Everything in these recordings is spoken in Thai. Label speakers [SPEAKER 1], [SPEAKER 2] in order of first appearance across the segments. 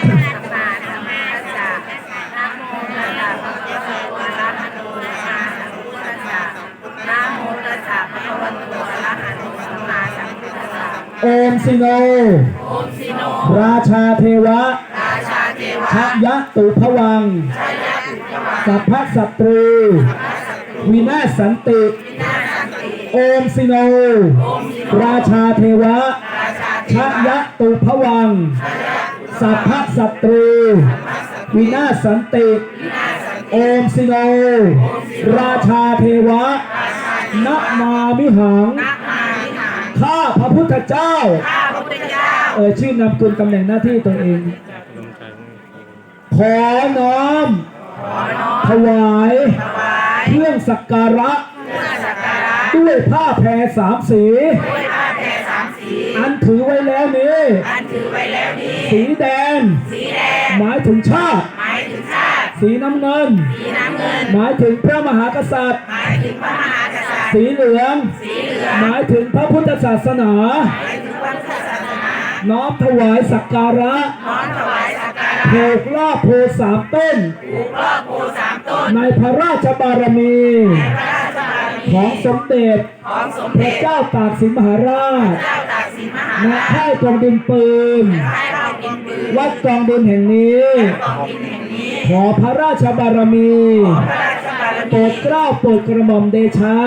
[SPEAKER 1] สัมมาสัมพุทธัสสะนะโมตัสสะภะคะวะโตอะระหะโตสัมมาสัมพุทธัสสะนะโมตัสสะภะคะวะโตอะระหะโตสัมมาสัมพุทธัสสะ
[SPEAKER 2] โอมสิโนราชาเทวะชยะตุภวังสัพพสัตรูวินาศสันติโอมสิโนราชาเทวะชยะตุภวังสัพพสัตรูวินาศสันติโอมสิโนราชาเทวะนะมามิหังข้าพระพุทธเจ้าชื่อนามกุลตำแหน่งหน้าที่ตัวเองขอน้อมถวายเครื่องสักการะด้วยผ้าแพรสามสีอันถือไว้แล้วนี้สีแดงหมายถึงชาติสีน้ำเงินหมายถึงพระมหากษัตริย์สีเหลืองหมายถึงพระพุทธศาสนาน้อมถวายสักการะผูกลาภโพสามต้นในพระราชบารมีของสมเด็จพระเจ้าตากสินมหาราชณค่ายกองดินปืนวัดกองดินแห่งนี้ขอพระราชบารมีโปรดเกล้าโปรดกระหม่อมเดชะ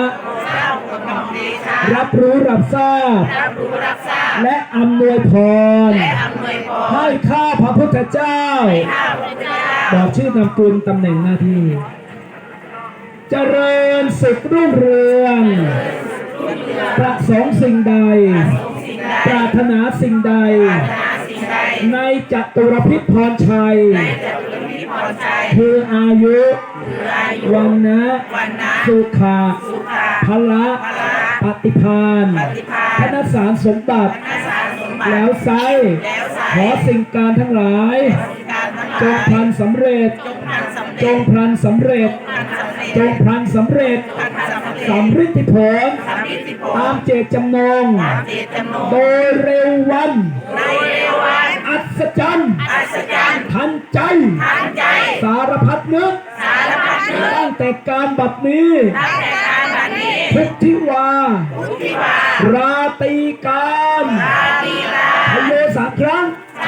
[SPEAKER 2] รับรู้รับทราบและอำนวยพรให้ข้าพระพุทธเจ้าบอกชื่อนามกุลตำแหน่งหน้าที่เจริญสุขรุ่งเรืองประสงค์สิ่งใดปรารถนาสิ่งใดในจัตุรพิษพรชัยคืออายุวันนะสุขะพละปฏิภาณธนสารสมบัติแล้วไซขอสิ่งการทั้งหลายจงพลันสำเร็จจงพลันสำเร็จจงพลันสำเร็จสำฤทธิผลตามเจตจำนงโดยเร็ววันอัศจรรย์ทันใจสารพัดนึกตั้งแต่การบัดนี้พุทธิวาราตีการพโยสามครั้ง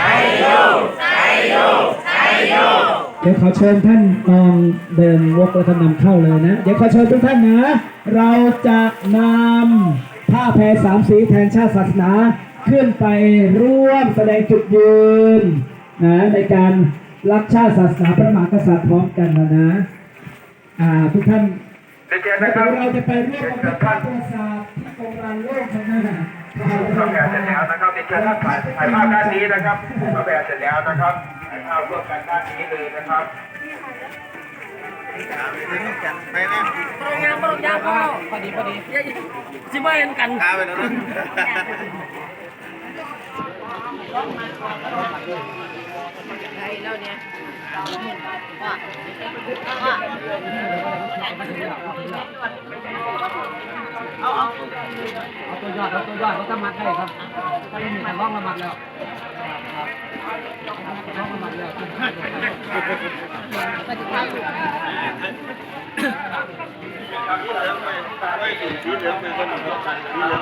[SPEAKER 2] เดี๋ยวขอเชิญท่านลองเดินวกแล้วก็นำเข้าเลยนะเดี๋ยวขอเชิญทุกท่านนะเราจะนำผ้าแพรสามสีแทนชาติศาสนาขึ้นไปร่วมแสดงจุดยืนนะในการรักชาติศาสนาพระมหากษัตริย์พร้อมกันนะทุกท่านเราจะไปร่วมกับท่านประสาทที่กองรันโลกข้างหน้า
[SPEAKER 3] เราแบบเสร็จแล้วนะครับเดี๋ยวเชิญท่านถ่ายภาพด้านนี้นะครับเราแบบเสร็จแล้วนะครับถ่ายภาพร่วมกันด้านนี้เลยนะครับไปไหม
[SPEAKER 1] ปรงยางพ่อพอดีจิบเอ็นกัน
[SPEAKER 3] ไปแล้วนะ
[SPEAKER 1] แล้วเนี่ย
[SPEAKER 2] เอาตัวยอดเขาจะมัดได้ครับถ้าไม่มีการล่องละมัดแล้วล่องละมัดแล้ว
[SPEAKER 3] สีเหลืองไปคนหนึ่ง